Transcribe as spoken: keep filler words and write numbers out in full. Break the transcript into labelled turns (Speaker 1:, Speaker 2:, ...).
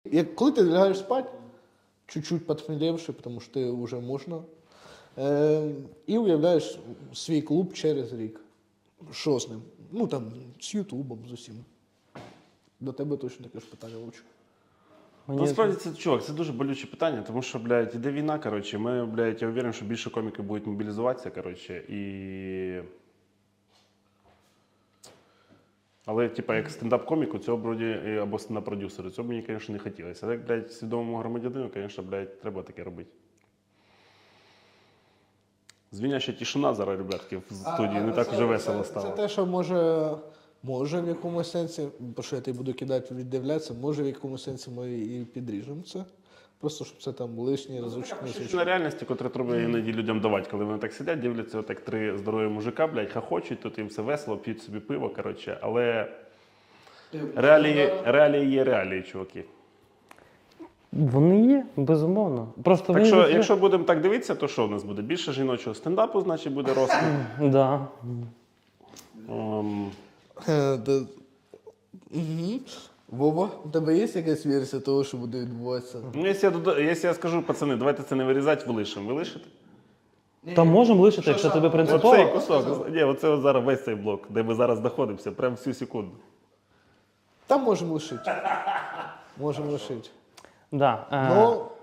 Speaker 1: Як, коли ти лягаєш спати, чуть-чуть подхмелевши, тому що ти вже можна, е, і уявляєш свій клуб через рік. Що з ним? Ну там, з Ютубом, з усім. До тебе точно таке ж питання, Вовчик.
Speaker 2: Мені... Насправді це, чувак, це дуже болюче питання, тому що, блядь, іде війна, коротше, ми, блядь, я уверен, що більше коміків будуть мобілізуватися, коротше, і... Але, типа, як стендап-коміку, цього, вроді, або стендап-продюсеру, цього мені, звісно, не хотілося. Але, як, блядь, свідомому громадянину, звісно, блядь, треба таке робити. Звіняща тишина зараз, ребятки, в студії,
Speaker 1: а,
Speaker 2: не
Speaker 1: а
Speaker 2: так
Speaker 1: це,
Speaker 2: вже весело
Speaker 1: це,
Speaker 2: стало.
Speaker 1: Це те, що може, може в якомусь сенсі, бо що я тебе буду кидати, віддивлятися, може в якомусь сенсі ми і підріжемо це. Просто, щоб це там лишній разочок не звучало.
Speaker 2: На реальності, котру треба іноді людям давати, коли вони так сидять, дивляться, отак три здорові мужика, блядь, хахочуть, тут їм все весело, п'ють собі пиво, коротше, але реалії, реалії є реалії, чуваки.
Speaker 3: Вони є, безумовно. Просто
Speaker 2: Так що,
Speaker 3: вже...
Speaker 2: якщо будемо так дивитися, то що у нас буде? Більше жіночого стендапу, значить, буде розквіт.
Speaker 3: Да.
Speaker 2: Um...
Speaker 1: Угу. Вова, у тебе є якась версія того, що буде відбуватися?
Speaker 2: Ну, якщо я, дода... якщо я скажу, пацани, давайте це не вирізати, вилишимо. Ви лишите?
Speaker 3: Та можемо лишити, якщо тобі принципово.
Speaker 2: Оцей кусок. Ні, оце от зараз весь цей блок, де ми зараз знаходимося, прямо всю секунду.
Speaker 1: Там можемо лишити. Можемо лишити.
Speaker 3: Да. е,
Speaker 1: Ну,